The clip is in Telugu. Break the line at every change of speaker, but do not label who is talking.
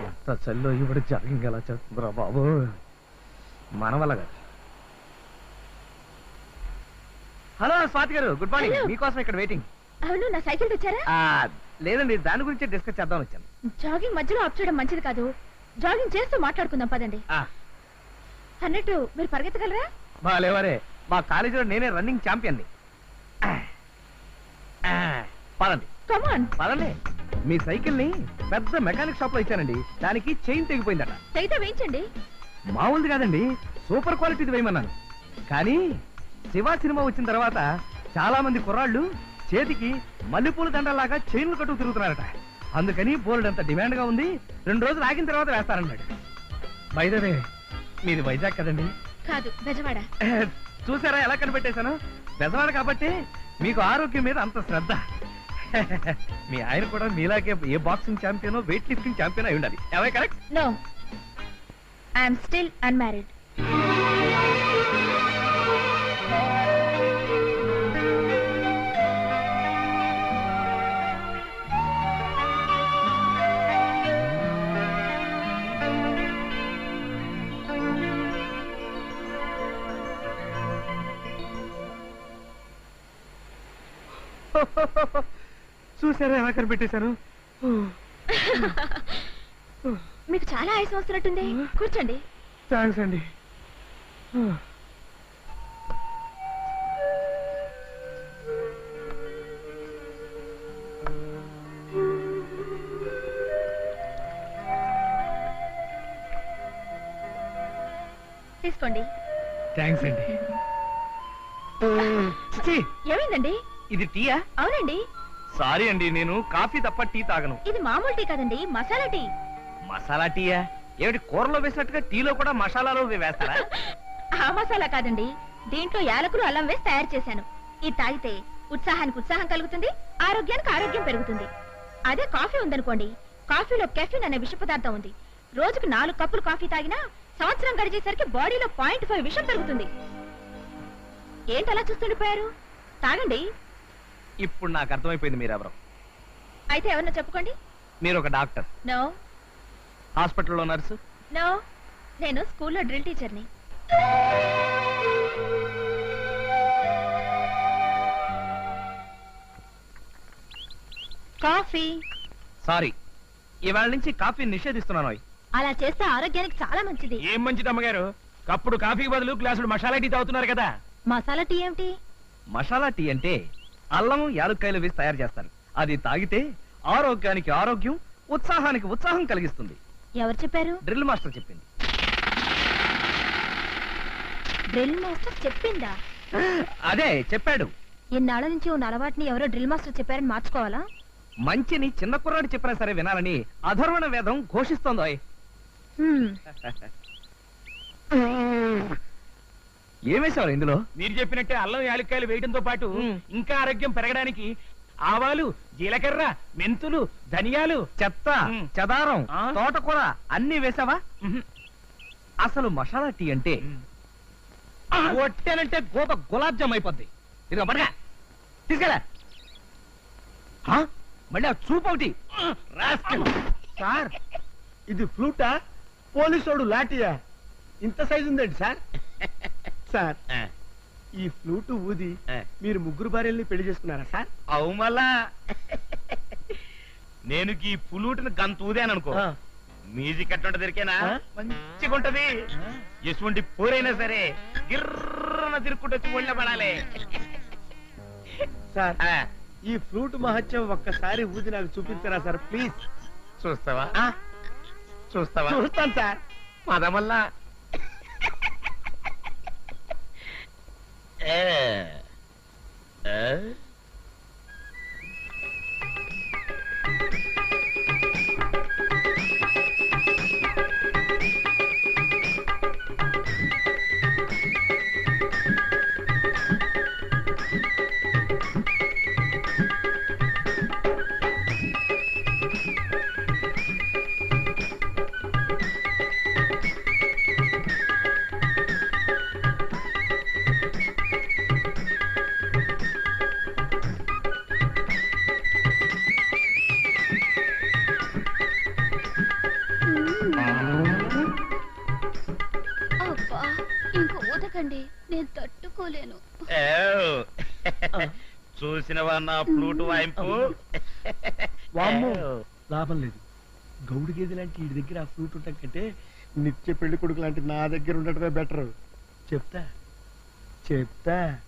చల్లో ఇప్పుడు జాగింగ్ ఎలా చేస్తుందిరా బాబు, మన వల్ల కాదు. హలో స్వాతి గారు, గుడ్ మార్నింగ్. మీకోసం ఇక్కడ వెయిటింగ్.
అవును, నా సైకిల్ తెచ్చారా?
లేదండి, దాని గురించి డిస్కస్ చేద్దాం వచ్చాను.
జాగింగ్ మధ్యలో ఆఫ్ చేయడం మంచిది కాదు. జాగింగ్ చేస్తూ మాట్లాడుకుందాం పదండి. అన్నట్టు మీరు పరిగెత్తగలరా?
లేవరే, మా కాలేజీలో నేనే రన్నింగ్ ఛాంపియన్ని. పదండి పదండి. మీ సైకిల్ ని పెద్ద మెకానిక్ షాప్ లో ఇచ్చానండి, దానికి చైన్ తెగిపోయిందట.
తెగితే వేయించండి.
మామూలుది కాదండి, సూపర్ క్వాలిటీది వేయమన్నాను. కానీ శివ సినిమా వచ్చిన తర్వాత చాలా మంది కుర్రాళ్ళు చేతికి మల్లెపూల దండలాగా చైన్లు కట్టుకు తిరుగుతున్నారట. అందుకని బోల్డ్ అంత డిమాండ్ గా ఉంది. 2 రోజులు ఆగిన తర్వాత వేస్తారన్నాడు. బై ద వే, మీది వైజాగ్ కదండి?
కాదు, బెజవాడ.
చూసారా ఎలా కనిపెట్టేశాను? బెజవాడ కాబట్టి మీకు ఆరోగ్యం మీద అంత శ్రద్ధ. మీ ఆయన కూడా మీలాగే ఏ బాక్సింగ్ ఛాంపియనో వెయిట్ లిఫ్టింగ్ ఛాంపియన్ అయి ఉండాలి. అవే correct?
No, I'm still unmarried.
చూసారా ఎలా కనిపెట్టేశాను?
మీకు చాలా ఆయాసం వస్తున్నట్టుంది, కూర్చోండి.
థ్యాంక్స్ అండి.
తీసుకోండి.
థ్యాంక్స్ అండి.
ఏమైందండి?
ఇది టీయా?
అవునండి.
సారీ అండి, నేను కాఫీ తప్ప టీ తాగను.
ఇది మామూలు టీ కాదండి, మసాలా టీ.
మసాలా టీయా? ఏమిటి, కూరలో వేసినట్టుగా టీలో కూడా మసాలాలో వేస్తారా?
ఆ మసాలా కాదండి, దీంట్లో యాలకులు అల్లం వేసి తయారు చేశాను. ఇది తాగితే ఉత్సాహానికి ఉత్సాహం కలుగుతుంది, ఆరోగ్యానికి ఆరోగ్యం పెరుగుతుంది. అదే కాఫీ ఉందనుకోండి, కాఫీలో కెఫిన్ అనే విష పదార్థం ఉంది. రోజుకు 4 కప్పులు కాఫీ తాగినా సంవత్సరం గడిచేసరికి బాడీలో 0.5 విషం పెరుగుతుంది. ఏంటి అలా చూస్తుండిపోయారు? తాగండి.
ఇప్పుడు నాకు అర్థమైపోయింది మీరెవరో.
అయితే ఎవరన్నా చెప్పుకోండి.
మీరు ఒక డాక్టర్?
నో.
హాస్పిటల్లో నర్సు?
నో, నేను స్కూల్లో డ్రిల్ టీచర్ని. కాఫీ.
సారీ, ఇవాళ నుంచి కాఫీ నిషేధిస్తున్నాను.
అలా చేస్తే ఆరోగ్యానికి చాలా మంచిది.
ఏం మంచిది అమ్మగారు, కప్పుడు కాఫీకి బదులు గ్లాసుడు మసాలా టీ తాగుతున్నారు కదా.
మసాలా టీ ఏమిటి?
మసాలా టీ అంటే అల్లం యాలుక్కాయలు వేసి తయారు చేస్తారు. అది తాగితే ఆరోగ్యానికి ఆరోగ్యం, ఉత్సాహానికి ఉత్సాహం కలిగిస్తుంది.
ఎవరు చెప్పారు?
డ్రిల్ మాస్టర్ చెప్పింది.
డ్రిల్ మాస్టర్ చెప్పిందా?
అదే చెప్పాడు.
ఇన్నాళ్ళ నుంచి ఉన్న అలవాటుని ఎవరో డ్రిల్ మాస్టర్ చెప్పారని మార్చుకోవాలా?
మంచిని చిన్న కుర్రాడు చెప్పినా సరే వినాలని అధర్వణ వేదం ఘోషిస్తోందో. ఏమేశారు ఇందులో?
మీరు చెప్పినట్టే అల్లం యాలక్కాయలు వేయడంతో పాటు ఇంకా ఆరోగ్యం పెరగడానికి ఆవాలు, జీలకర్ర, మెంతులు, ధనియాలు,
చెత్త, చెదారం, తోటకూర అన్ని వేసావా? అసలు మసాలా టీ అంటే ఒట్టేనంటే గోప గులాబ్ జామ్ అయిపోద్ది. ఇదిగో పడగా తీసుకెళ్ళా. మళ్ళీ ఆ చూపు ఒకటి.
సార్, ఇది ఫ్లూటా పోలీసోడు లాఠీయా? ఇంత సైజు ఉందండి సార్. సార్, ఈ ఫ్లూటు ఊది మీరు 3 భార్యల్ని పెళ్లి చేసుకున్నారా సార్?
అవు మళ్ళా నేను ఈ పులూటిని గంత ఊదాననుకో, మ్యూజిక్ అట్టుంట దొరికేనా మంచిగా ఉంటది. ఎటువంటి పోరైనా సరే గిర్రన తిరుక్కుంటూ వచ్చి ఒళ్ళ పడాలి.
సార్, ఈ ఫ్లూట్ మహత్యం ఒక్కసారి ఊది నాకు చూపించరా సార్ ప్లీజ్?
చూస్తావా? చూస్తావా?
చూస్తాను సార్.
పదమల్లా
కొట్టకండి, నేను తట్టుకోలేను.
చూసినవా నా ఫ్లూట్ వాయింపు?
వామ్మో, లాభం లేదు. గౌడు గేదె లాంటి ఈ దగ్గర ఆ ఫ్లూట్ ఉండటం కంటే నిత్య పెళ్లి కొడుకు లాంటి నా దగ్గర ఉండటమే బెటర్. చెప్తా చెప్తా